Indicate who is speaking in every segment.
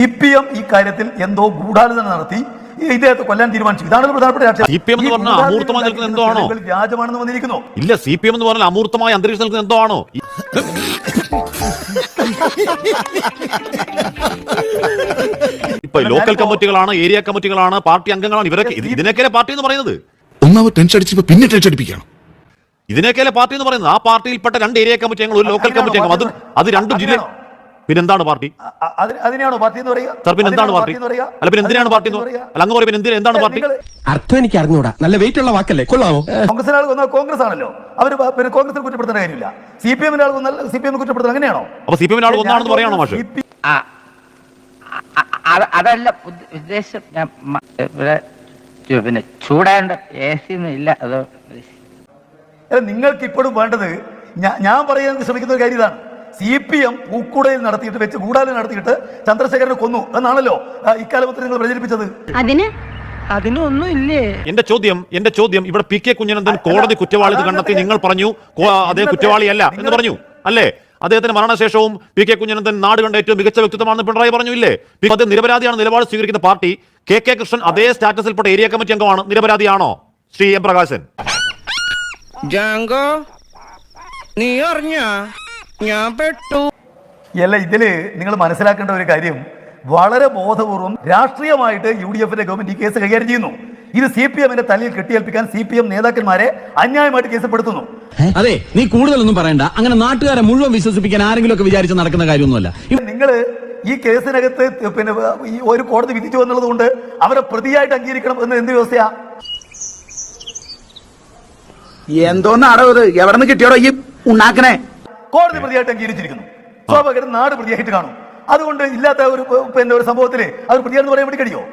Speaker 1: CPM ഈ കാര്യത്തിൽ എന്തോ ഗൂഢാലോചന നടത്തി ഇദ്ദേഹത്തെ കൊല്ലാൻ തീരുമാനിച്ചു. ഇതാണ് പ്രധാനപ്പെട്ട വ്യാജമാണെന്ന് വന്നിരിക്കുന്നു.
Speaker 2: ഇല്ല, CPM എന്ന് പറഞ്ഞാൽ അമൂർത്തമായ അന്തരീക്ഷം നിൽക്കുന്ന എന്തോ ആണോ? ഇപ്പൊ ലോക്കൽ കമ്മിറ്റികളാണ്, ഏരിയ കമ്മിറ്റികളാണ്, പാർട്ടി അംഗങ്ങളാണ്, ഇവരൊക്കെ ഇതിനൊക്കെയല്ലേ പാർട്ടി എന്ന് പറയുന്നത്.
Speaker 3: ഒന്നാമത് ടെൻഷൻ അടിച്ചപ്പോ പിന്നെ ടെൻഷൻ അടിപ്പിക്കണം.
Speaker 2: ഇതിനൊക്കെയല്ലേ പാർട്ടി എന്ന് പറയുന്നത്. ആ പാർട്ടിയിൽപ്പെട്ട 2 ഏരിയ കമ്മിറ്റി അംഗങ്ങൾ, ഒരു ലോക്കൽ കമ്മിറ്റി അംഗം, അത് 2 ജില്ല. പിന്നെന്താണ് പാർട്ടി?
Speaker 1: അതിനെയാണോ പാർട്ടി എന്ന് പറയുക?
Speaker 2: സാർ, പിന്നെ എന്താണ് പാർട്ടി? അല്ല, പിന്നെ എന്തിനാണ് പാർട്ടി എന്ന് പറയുക? അല്ല, അങ്ങ് പറയും എന്താണ് പാർട്ടി?
Speaker 4: അർത്ഥം എനിക്ക് അറിഞ്ഞൂടാ. നല്ല വെയിറ്റ് ഉള്ള വാക്കല്ലേ, കൊള്ളാമോ?
Speaker 1: കോൺഗ്രസിന് ആൾ കൊന്നാൽ കോൺഗ്രസ് ആണല്ലോ, അവർ പിന്നെ കോൺഗ്രസിനെ കുറ്റപ്പെടുത്തേണ്ട കാര്യമില്ല. CPM ആൾ കൊന്നാൽ CPM കുറ്റപ്പെടുത്തുന്നത് അങ്ങനെയാണോ?
Speaker 2: അപ്പൊ CPM ആൾ കൊന്നാണെന്ന് പറയാണോ മാഷ്?
Speaker 5: അതല്ല ഉദ്ദേശം. പിന്നെ ചൂടാണ്ട് AC ഒന്നും ഇല്ല. അത്
Speaker 1: നിങ്ങൾക്ക് ഇപ്പോഴും വേണ്ടത്, ഞാൻ പറയാൻ ശ്രമിക്കുന്ന ഒരു കാര്യം ഇതാണ്. CPM പൂക്കുടയിൽ നടത്തിയിട്ട് വെച്ച് ഗൂഢാലോചന നടത്തിയിട്ട് ചന്ദ്രശേഖരനെ കൊന്നു എന്നാണല്ലോ ഇക്കാലത്ത് നിങ്ങൾ പ്രചരിപ്പിച്ചത്.
Speaker 5: അതിനൊന്നും ഇല്ലേ?
Speaker 2: എന്റെ ചോദ്യം ഇവിടെ PK കുഞ്ഞനന്തൻ കോടതി കുറ്റവാളി കണ്ടെത്തി, നിങ്ങൾ പറഞ്ഞു അതേ കുറ്റവാളിയല്ല എന്ന് പറഞ്ഞു അല്ലേ? അദ്ദേഹത്തിന് മരണശേഷവും PK കുഞ്ഞനന്തൻ നാട് കണ്ട ഏറ്റവും മികച്ച വ്യക്തിത്വമാണെന്ന് പിണറായി പറഞ്ഞു ഇല്ലേ? അദ്ദേഹം നിരപരാധിയാണ് നിലപാട് സ്വീകരിക്കുന്ന പാർട്ടി. KK കൃഷ്ണൻ അതേ സ്റ്റാറ്റസിൽപ്പെട്ട ഏരിയ കമ്മിറ്റി അംഗമാണ്. നിരപരാധിയാണോ ശ്രീ M പ്രകാശൻ?
Speaker 6: നീ അറിഞ്ഞ ഞാൻ പെട്ടു.
Speaker 1: അല്ല, ഇതില് നിങ്ങൾ മനസ്സിലാക്കേണ്ട ഒരു കാര്യം, വളരെ ബോധപൂർവം രാഷ്ട്രീയമായിട്ട് UDF-ന്റെ ഗവൺമെന്റ് ഈ കേസ് കൈകാര്യം ചെയ്യുന്നു. ഇത് CPM-ന്റെ തലയിൽ കെട്ടിയേൽപ്പിക്കാൻ CPM നേതാക്കന്മാരെ അന്യായമായിട്ട് കേസപ്പെടുത്തുന്നു.
Speaker 4: അതെ, നീ കൂടുതലൊന്നും പറയണ്ട. അങ്ങനെ നാട്ടുകാരെ മുഴുവൻ വിശ്വസിപ്പിക്കാൻ ആരെങ്കിലും ഒക്കെ വിചാരിച്ച് നടക്കുന്ന കാര്യമൊന്നുമല്ല.
Speaker 1: നിങ്ങൾ ഈ കേസിനകത്ത് പിന്നെ ഈ ഒരു കോടതി വിധിച്ചു എന്നുള്ളത് കൊണ്ട് അവരെ പ്രതിയായിട്ട് അംഗീകരിക്കണം എന്ന് എന്ത് വ്യവസ്ഥയാ?
Speaker 6: എന്തോന്നാടോ ഇത്? എവിടെ നിന്ന് കിട്ടിയോടോ ഈ ഉണ്ടാക്കണേ?
Speaker 1: കോടതി പ്രതിയായിട്ട് അംഗീകരിച്ചിരിക്കുന്നു. സ്വാഭാവികം നാട് പ്രതിയായിട്ട് കാണും. അതുകൊണ്ട് ഇല്ലാത്ത ഒരു പിന്നെ ഒരു സംഭവത്തില് അത് പ്രതിയാണെന്ന് പറയാൻ വേണ്ടി കഴിയോ?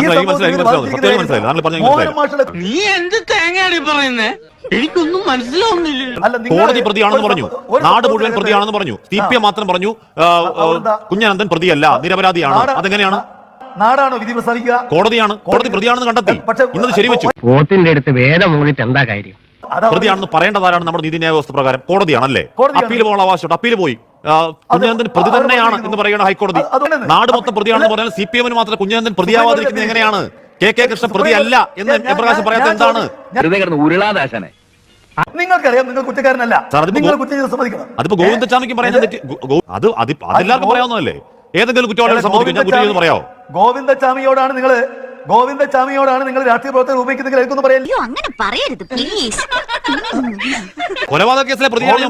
Speaker 6: നീ എന്ത് തേങ്ങയാടി പറയുന്നേ? എനിക്കൊന്നും മനസ്സിലാവുന്നില്ല.
Speaker 2: കോടതി പ്രതിയാണെന്ന് പറഞ്ഞു, നാട് മുഴുവൻ പ്രതിയാണെന്ന് പറഞ്ഞു, CPM മാത്രം പറഞ്ഞു കുഞ്ഞനന്തൻ പ്രതിയല്ല, നിരപരാധിയാണ്. അതെങ്ങനെയാണ്?
Speaker 1: നാടാണോ വിധി പ്രസ്താവിക്കുക?
Speaker 2: കോടതിയാണ്. കോടതി പ്രതിയാണെന്ന് കണ്ടെത്തി, ഇന്നത് ശരിവെച്ചു.
Speaker 5: വോട്ടിന്റെ അടുത്ത് വേദം മൂടിയിട്ട് എന്താ കാര്യം?
Speaker 2: പ്രതിയാണെന്ന് പറയേണ്ടതാരാണ്? നമ്മുടെ നീതിന്യായ വ്യവസ്ഥ പ്രകാരം കോടതിയാണല്ലേ. അപ്പീൽ പോകാനുള്ള അവകാശമുണ്ട്. അപ്പീൽ പോയി. കുഞ്ഞനന്തൻ പ്രതി തന്നെയാണ് എന്ന് പറയുന്ന ഹൈക്കോടതി. നാട് മൊത്തം പ്രതിയാണെന്ന് പറഞ്ഞാൽ CPM-ന് മാത്രം കുഞ്ഞനന്തൻ പ്രതിയാവാതിരിക്കുന്നത് എങ്ങനെയാണ്? KK കൃഷ്ണൻ പ്രതിയല്ല എന്ന് M പ്രകാശൻ പറയാത്ത എന്താണ്?
Speaker 1: നിങ്ങൾക്കറിയാം, നിങ്ങൾ കുറ്റക്കാരനല്ല.
Speaker 2: അതിപ്പോ ഗോവിന്ദചാമിക്കും പറയുന്നത് അതെല്ലാവർക്കും പറയാവുന്നതല്ലേ? ഏതെങ്കിലും കുറ്റവാളികളെ സംബന്ധിക്കും ഞാൻ കുറ്റം ചെയ്യുമെന്ന് പറയാമോ?
Speaker 1: ഗോവിന്ദചാമിയോടാണ് നിങ്ങൾ രാഷ്ട്രീയ പ്രവർത്തകർ ഉപയോഗിക്കുന്നതെന്ന് പറയാൻ.
Speaker 2: കൊലപാതക കേസിലെ പ്രതിയാണ്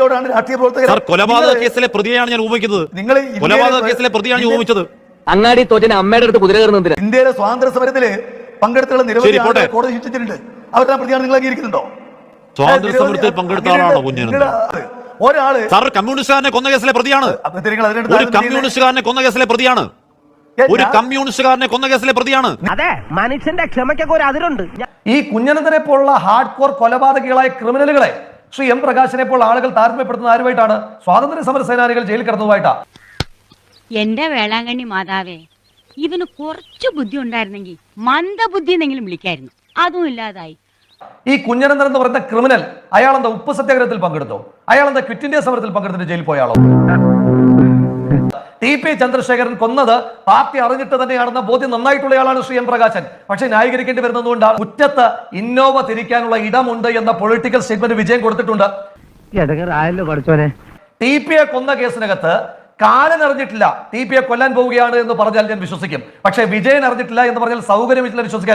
Speaker 2: ഞാൻ ഉപയോഗിക്കുന്നത്. കൊലപാതക കേസിലെ പ്രതിയാണ് ഞാൻ ഉപയോഗിച്ചത്.
Speaker 5: അങ്ങാടി തോറ്റന് അമ്മയുടെ അടുത്ത് കുതിര കയറുന്നതിന്
Speaker 1: ഇന്ത്യയിലെ സ്വാതന്ത്ര്യ സമരത്തില് പങ്കെടുത്തുള്ള നിരവധി കോടതി ശിക്ഷിച്ചിട്ടുണ്ട്. അവരുടെ പ്രതിയാണ് നിങ്ങൾ അംഗീകരിക്കുന്നുണ്ടോ?
Speaker 2: സ്വാതന്ത്ര്യ സമരത്തിൽ പങ്കെടുത്ത ആളാണോ കുഞ്ഞനന്തൻ?
Speaker 1: ഒരാള്
Speaker 2: സാർ കമ്മ്യൂണിസ്റ്റുകാരനെ കൊന്ന കേസിലെ പ്രതിയാണ്. ഒരു കമ്മ്യൂണിസ്റ്റുകാരനെ കൊന്ന കേസിലെ പ്രതിയാണ്.
Speaker 5: അതെ, മനുഷ്യന്റെ ക്ഷമയ്ക്കൊക്കെ ഒരു അതിരുണ്ട്.
Speaker 7: ഈ കുഞ്ഞനന്തനെ പോലുള്ള ഹാർഡ് കോർ കൊലപാതകികളായ ക്രിമിനലുകളെ ശ്രീ M പ്രകാശനെ പോലുള്ള ആളുകൾ താരതമ്യപ്പെടുത്തുന്ന ആരുമായിട്ടാണ്? സ്വാതന്ത്ര്യ സമര സേനാനികൾ ജയിലിൽ കിടന്നതുമായിട്ടാ.
Speaker 8: എന്റെ വേളാങ്കണ്ണി മാതാവേ, ഇവന് കുറച്ചു ബുദ്ധി ഉണ്ടായിരുന്നെങ്കിൽ മന്ദബുദ്ധി എന്നെങ്കിലും വിളിക്കായിരുന്നു. അതും ഇല്ലാതായി.
Speaker 7: ഈ കുഞ്ഞനന്തൻ എന്ന് പറയുന്ന ക്രിമിനൽ, അയാളെന്താ ഉപ്പ് സത്യാഗ്രഹത്തിൽ പങ്കെടുത്തോ? അയാളെന്താ ക്വിറ്റ് ഇന്ത്യ സമരത്തിൽ പങ്കെടുത്തിട്ട് ജയിലിൽ പോയാളോ? TP ചന്ദ്രശേഖരൻ കൊന്നത് പാർട്ടി അറിഞ്ഞിട്ട് തന്നെയാണെന്ന ബോധ്യം നന്നായിട്ടുള്ളയാളാണ് ശ്രീ M പ്രകാശൻ. പക്ഷേ ന്യായീകരിക്കേണ്ടി വരുന്നതുകൊണ്ടാണ് മുറ്റത്ത് ഇന്നോവ തിരിക്കാനുള്ള ഇടമുണ്ട് എന്ന പൊളിറ്റിക്കൽ സ്റ്റേറ്റ്മെന്റ് വിജയം കൊടുത്തിട്ടുണ്ട്. TP-യെ കൊന്ന കേസിനകത്ത് കാലൻ അറിഞ്ഞിട്ടില്ല, TP-യെ കൊല്ലാൻ പോവുകയാണ് എന്ന് പറഞ്ഞാൽ ഞാൻ വിശ്വസിക്കും. പക്ഷേ വിജയൻ അറിഞ്ഞിട്ടില്ല എന്ന് പറഞ്ഞാൽ സൗകര്യമില്ല വിശ്വസിക്കാൻ.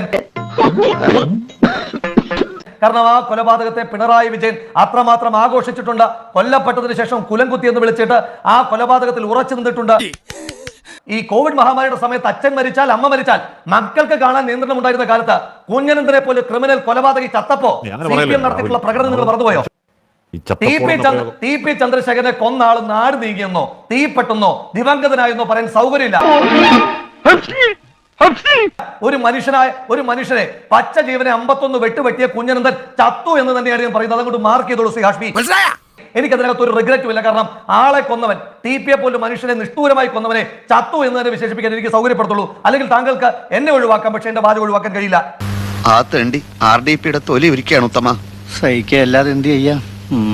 Speaker 7: കാരണം ആ കൊലപാതകത്തെ പിണറായി വിജയൻ അത്രമാത്രം ആഘോഷിച്ചിട്ടുണ്ട്. കൊല്ലപ്പെട്ടതിന് ശേഷം കുലംകുത്തി എന്ന് വിളിച്ചിട്ട് ആ കൊലപാതകത്തിൽ ഉറച്ചു നിന്നിട്ടുണ്ട്. ഈ കോവിഡ് മഹാമാരിയുടെ സമയത്ത് അച്ഛൻ മരിച്ചാൽ അമ്മ മരിച്ചാൽ മക്കൾക്ക് കാണാൻ നിയന്ത്രണം ഉണ്ടായിരുന്ന കാലത്ത് കുഞ്ഞനന്തനെ പോലെ ക്രിമിനൽ കൊലപാതകി ചത്തപ്പോ CPM നടത്തിയിട്ടുള്ള പ്രകടനം നിങ്ങൾ മറന്നുപോയോ? TP ചന്ദ്രശേഖരനെ കൊന്ന ആൾ നാട് നീങ്ങിയെന്നോ തീപ്പെട്ടെന്നോ ദിവംഗതനായെന്നോ പറയാൻ സൗകര്യമില്ല. ഒരു മനുഷ്യനെ പച്ച ജീവനെ 51 വെട്ടുവെട്ടിയ കുഞ്ഞനന്തൻ ചത്തു എന്ന് തന്നെയാണ് ഞാൻ പറയുന്നത്. അതുകൊണ്ട് മാർക്ക് ചെയ്തോളൂ ശ്രീ ഹാഷ്മി. എനിക്കതിനകത്ത് ഒരു റിഗ്രറ്റും ഇല്ല. കാരണം ആളെ കൊന്നവൻ, TP-യെ പോലും മനുഷ്യനെ നിഷ്ഠൂരമായി കൊന്നവനെ ചത്തു എന്ന് തന്നെ വിശേഷിപ്പിക്കാൻ എനിക്ക് സൗകര്യപ്പെടുത്തുള്ളൂ. അല്ലെങ്കിൽ താങ്കൾക്ക് എന്നെ ഒഴിവാക്കാം, പക്ഷെ എന്റെ വാചകം ഒഴിവാക്കാൻ കഴിയില്ല.
Speaker 3: ആ തേണ്ടി RDP-യുടെ തൊലി ഒരുക്കുകയാണ് ഉത്തമ. സഹിക്കല്ലാതെ എന്ത് ചെയ്യാം?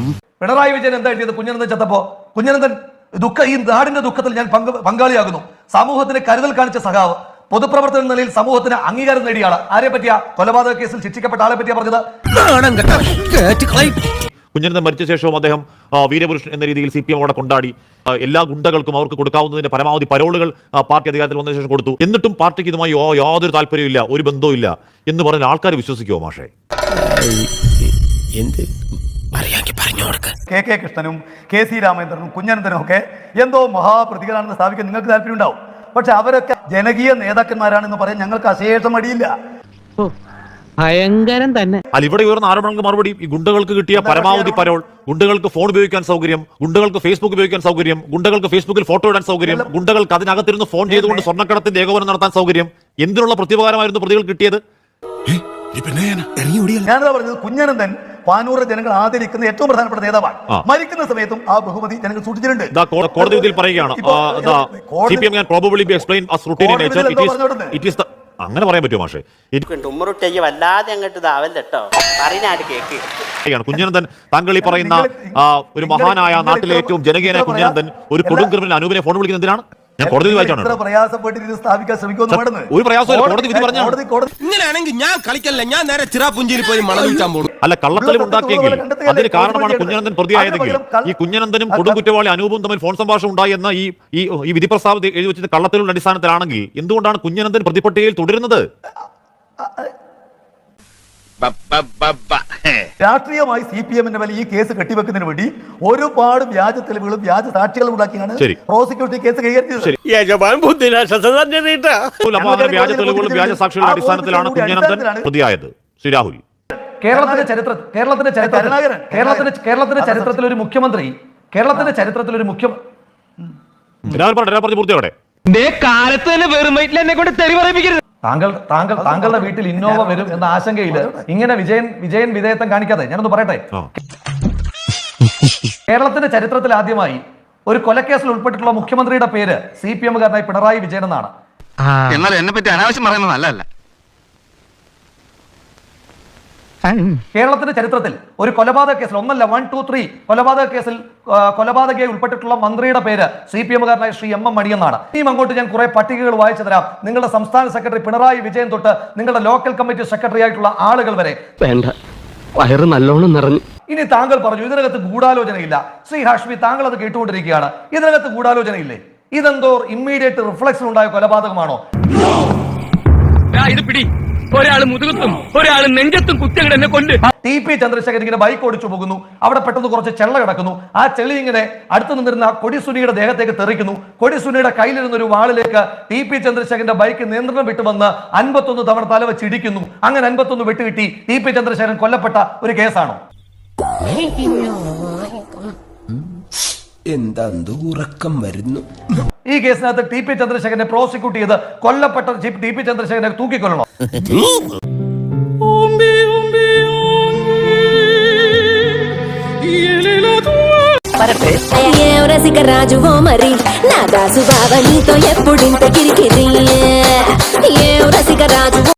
Speaker 3: പിണറായി വിജയൻ എന്താ എഴുതിയത് കുഞ്ഞനന്തൻ ചത്തപ്പോ? കുഞ്ഞനന്തൻ ഈ നാടിന്റെ ദുഃഖത്തിൽ ഞാൻ പങ്കാളിയാകുന്നു.
Speaker 7: സമൂഹത്തിന് കരുതൽ കാണിച്ച സഖാവ്, പൊതുപ്രവർത്തന നിലയിൽ സമൂഹത്തിന് അംഗീകാരം നേടിയ ആള്. ആരെ പറ്റിയാ? കൊലപാതക കേസിൽ ശിക്ഷിക്കപ്പെട്ട ആളെ പറ്റിയാ പറഞ്ഞത്.
Speaker 2: കുഞ്ഞനന്തൻ മരിച്ച ശേഷവും അദ്ദേഹം വീരപുരുഷൻ എന്ന രീതിയിൽ CPM അവിടെ കൊണ്ടാടി. എല്ലാ ഗുണ്ടകൾക്കും അവർക്ക് കൊടുക്കാവുന്നതിന്റെ പരമാവധി പരോളുകൾ പാർട്ടി അധികാരത്തിൽ വന്നതിന് ശേഷം കൊടുത്തു. എന്നിട്ടും പാർട്ടിക്ക് ഇതുമായി യാതൊരു താല്പര്യമില്ല, ഒരു ബന്ധവും ഇല്ല എന്ന് പറഞ്ഞാൽ ആൾക്കാർ വിശ്വസിക്കുമോ മാഷേ?
Speaker 1: KK കൃഷ്ണനും KC രാമേന്ദ്രനും കുഞ്ഞനന്തനും ഒക്കെ എന്തോ മഹാപ്രതികളാണെന്ന് സ്ഥാപിക്കാൻ നിങ്ങൾക്ക് താല്പര്യം ഉണ്ടാവും. പക്ഷെ അവരൊക്കെ ജനകീയ നേതാക്കന്മാരാണെന്ന് പറയാൻ ഞങ്ങൾക്ക് അശേഷം മടിയില്ല.
Speaker 5: ഭയങ്കരം തന്നെ.
Speaker 2: അല്ല, ഇവിടെ ഉയർന്ന ആരോപണങ്ങൾക്ക് മറുപടി ഈ ഗുണ്ടകൾക്ക് കിട്ടിയ പരമാവധി പരോൾ, ഗുണ്ടകൾക്ക് ഫോൺ ഉപയോഗിക്കാൻ സൗകര്യം, ഗുണ്ടകൾക്ക് ഫേസ്ബുക്ക് ഉപയോഗിക്കാൻ സൗകര്യം, ഗുണ്ടകൾക്ക് ഫേസ്ബുക്കിൽ ഫോട്ടോ ഇടാൻ സൗകര്യം, ഗുണ്ടകൾക്ക് അതിനകത്തിരുന്ന് ഫോൺ ചെയ്തുകൊണ്ട് സ്വർണ്ണക്കടത്തിന്റെ ഏകോപനം നടത്താൻ സൗകര്യം, എന്തിനുള്ള പ്രത്യുപകാരമായിരുന്നു പ്രതികൾ കിട്ടിയത്?
Speaker 1: ഞാനതാ പറഞ്ഞത്, കുഞ്ഞനന്തൻ പാനൂർ ജനങ്ങൾ ആദരിക്കുന്ന ഏറ്റവും പ്രധാനപ്പെട്ട നേതാവാണ്. മരിക്കുന്ന സമയത്തും ആ ബഹുമതി ജനങ്ങൾ സൂക്ഷിച്ചിട്ടുണ്ട്.
Speaker 2: കോടതി വിധിയിൽ പറയുകയാണ് CPM can probably be explained as routine in nature. It is the അങ്ങനെ പറയാൻ പറ്റുമോ മാഷേ?
Speaker 3: വല്ലാതെ അങ്ങോട്ട് ഇതാവല്ലോ പറഞ്ഞാട് കേക്ക്.
Speaker 2: കുഞ്ഞനന്തൻ, താങ്കൾ ഈ പറയുന്ന ഒരു മഹാനായ നാട്ടിലെ ഏറ്റവും ജനകീയനായ കുഞ്ഞനന്തൻ ഒരു കൊടും ക്രിമിനൽ അനൂപിനെ ഫോൺ വിളിക്കുന്നത് എന്തിനാണ്? ഞാൻ കോടതി വായിച്ചാണ്. ഒരു പ്രയാസമില്ല, കോടതി വിധി പറഞ്ഞു.
Speaker 4: ഇങ്ങനെയാണെങ്കിൽ ഞാൻ കളിക്കല്ല, ഞാൻ നേരെ ചിറാപുഞ്ചിയിൽ പോയി മണം വിൽക്കാൻ പോകും.
Speaker 2: അല്ല, കള്ളത്തരം ഉണ്ടാക്കിയെങ്കിൽ അതിന് കാരണമാണ് കുഞ്ഞനന്തൻ പ്രതിയായതെങ്കിൽ ഈ കുഞ്ഞനന്തനും കൊടും കുറ്റവാളി അനൂപും തമ്മിൽ ഫോൺ സംഭാഷണം ഉണ്ടായി എന്ന ഈ വിധി പ്രസ്താവം എഴുതി വെച്ചത് കള്ളത്തരങ്ങളുടെ അടിസ്ഥാനത്തിലാണെങ്കിൽ എന്തുകൊണ്ടാണ് കുഞ്ഞനന്തൻ പ്രതിപട്ടികയിൽ തുടരുന്നത്?
Speaker 1: രാഷ്ട്രീയമായി CPM-ന്റെ മേലെ ഈ കേസ് കെട്ടിവെക്കുന്നതിന് വേണ്ടി ഒരുപാട് വ്യാജ തെളിവുകളും വ്യാജ സാക്ഷികളും ഉണ്ടാക്കിയാണ് പ്രോസിക്യൂഷൻ കേസ് കൈകാര്യം ചെയ്തത്.
Speaker 2: വ്യാജ തെളിവുകളും വ്യാജ സാക്ഷികളുടെ അടിസ്ഥാനത്തിലാണ് കുഞ്ഞനന്തൻ പ്രതിയായത്. ശ്രീ രാഹുൽ,
Speaker 7: കേരളത്തിന്റെ ചരിത്രത്തിൽ ഒരു മുഖ്യമന്ത്രി
Speaker 2: പറഞ്ഞു പൂർത്തിയോടെ
Speaker 5: കാലത്ത് തന്നെ വെറും എന്നെ കൊണ്ട് തെറി പറയിപ്പിക്കരുത്.
Speaker 7: താങ്കളുടെ വീട്ടിൽ ഇന്നോവ വരും എന്ന ആശങ്കയില് ഇങ്ങനെ വിജയൻ വിധേയത്വം കാണിക്കാതെ ഞാനൊന്ന് പറയട്ടെ. കേരളത്തിന്റെ ചരിത്രത്തിൽ ആദ്യമായി ഒരു കൊലക്കേസിൽ ഉൾപ്പെട്ടിട്ടുള്ള മുഖ്യമന്ത്രിയുടെ പേര് CPM-കാരനായി പിണറായി വിജയൻ എന്നാണ്.
Speaker 3: എന്നാൽ എന്നെ പറ്റി അനാവശ്യം പറയുന്നത് നല്ലതല്ല.
Speaker 7: കേരളത്തിന്റെ ചരിത്രത്തിൽ ഒരു കൊലപാതക കേസിൽ, ഒന്നല്ല 1, 2, 3 കൊലപാതക കേസിൽ കൊലപാതകയായി ഉൾപ്പെട്ടിട്ടുള്ള മന്ത്രിയുടെ പേര് CPM-കാരനായ ശ്രീ MM മണി എന്നാണ്. ഇനിയും അങ്ങോട്ട് ഞാൻ കുറെ പട്ടികകൾ വായിച്ചു തരാം. നിങ്ങളുടെ സംസ്ഥാന സെക്രട്ടറി പിണറായി വിജയൻ തൊട്ട് നിങ്ങളുടെ ലോക്കൽ കമ്മിറ്റി സെക്രട്ടറി ആയിട്ടുള്ള ആളുകൾ വരെ.
Speaker 5: വേണ്ട, വയറ് നല്ലോണം നിറഞ്ഞു.
Speaker 7: ഇനി താങ്കൾ പറഞ്ഞു ഇതിനകത്ത് ഗൂഢാലോചനയില്ല. ശ്രീ ഹാഷ്മി, താങ്കൾ അത് കേട്ടുകൊണ്ടിരിക്കുകയാണ്. ഇതിനകത്ത് ഗൂഢാലോചനയില്ലേ? ഇതെന്തോ ഇമ്മീഡിയറ്റ് റിഫ്ലക്ഷൻ ഉണ്ടായ കൊലപാതകമാണോ?
Speaker 5: ഇത് പിടി, ഒരാള് മുതുകത്തും ഒരാള് നെഞ്ചത്തും കുത്തിയങ്ങട് എന്നെ കൊണ്ട്.
Speaker 7: TP ചന്ദ്രശേഖരൻ ഇങ്ങനെ ബൈക്ക് ഓടിച്ചു പോകുന്നു. അവിടെ പെട്ടെന്ന് കുറച്ച് ചെള്ള കിടക്കുന്നു. ആ ചെളി ഇങ്ങനെ അടുത്ത് നിന്നിരുന്ന കൊടിസുനിയുടെ ദേഹത്തേക്ക് തെറിക്കുന്നു. കൊടിസുനിയുടെ കയ്യിലിരുന്ന ഒരു വാളിലേക്ക് TP ചന്ദ്രശേഖരന്റെ ബൈക്ക് നിയന്ത്രണം വിട്ടുവന്ന് 51 തവണ തലവെച്ച് ഇടിക്കുന്നു. അങ്ങനെ 51 വെട്ടുകിട്ടി TP ചന്ദ്രശേഖരൻ കൊല്ലപ്പെട്ട ഒരു കേസാണോ?
Speaker 4: എന്താ ഉറക്കം വരുന്നു?
Speaker 7: ഈ കേസിനകത്ത് TP ചന്ദ്രശേഖരനെ പ്രോസിക്യൂട്ട് ചെയ്ത് കൊല്ലപ്പെട്ട TP ചന്ദ്രശേഖരനെ തൂക്കിക്കൊല്ലണോ?
Speaker 9: రాజువో మరి నా దాసు బావ నీతో ఎప్పుడింత కిరికిరి ఏ రసిక రాజు.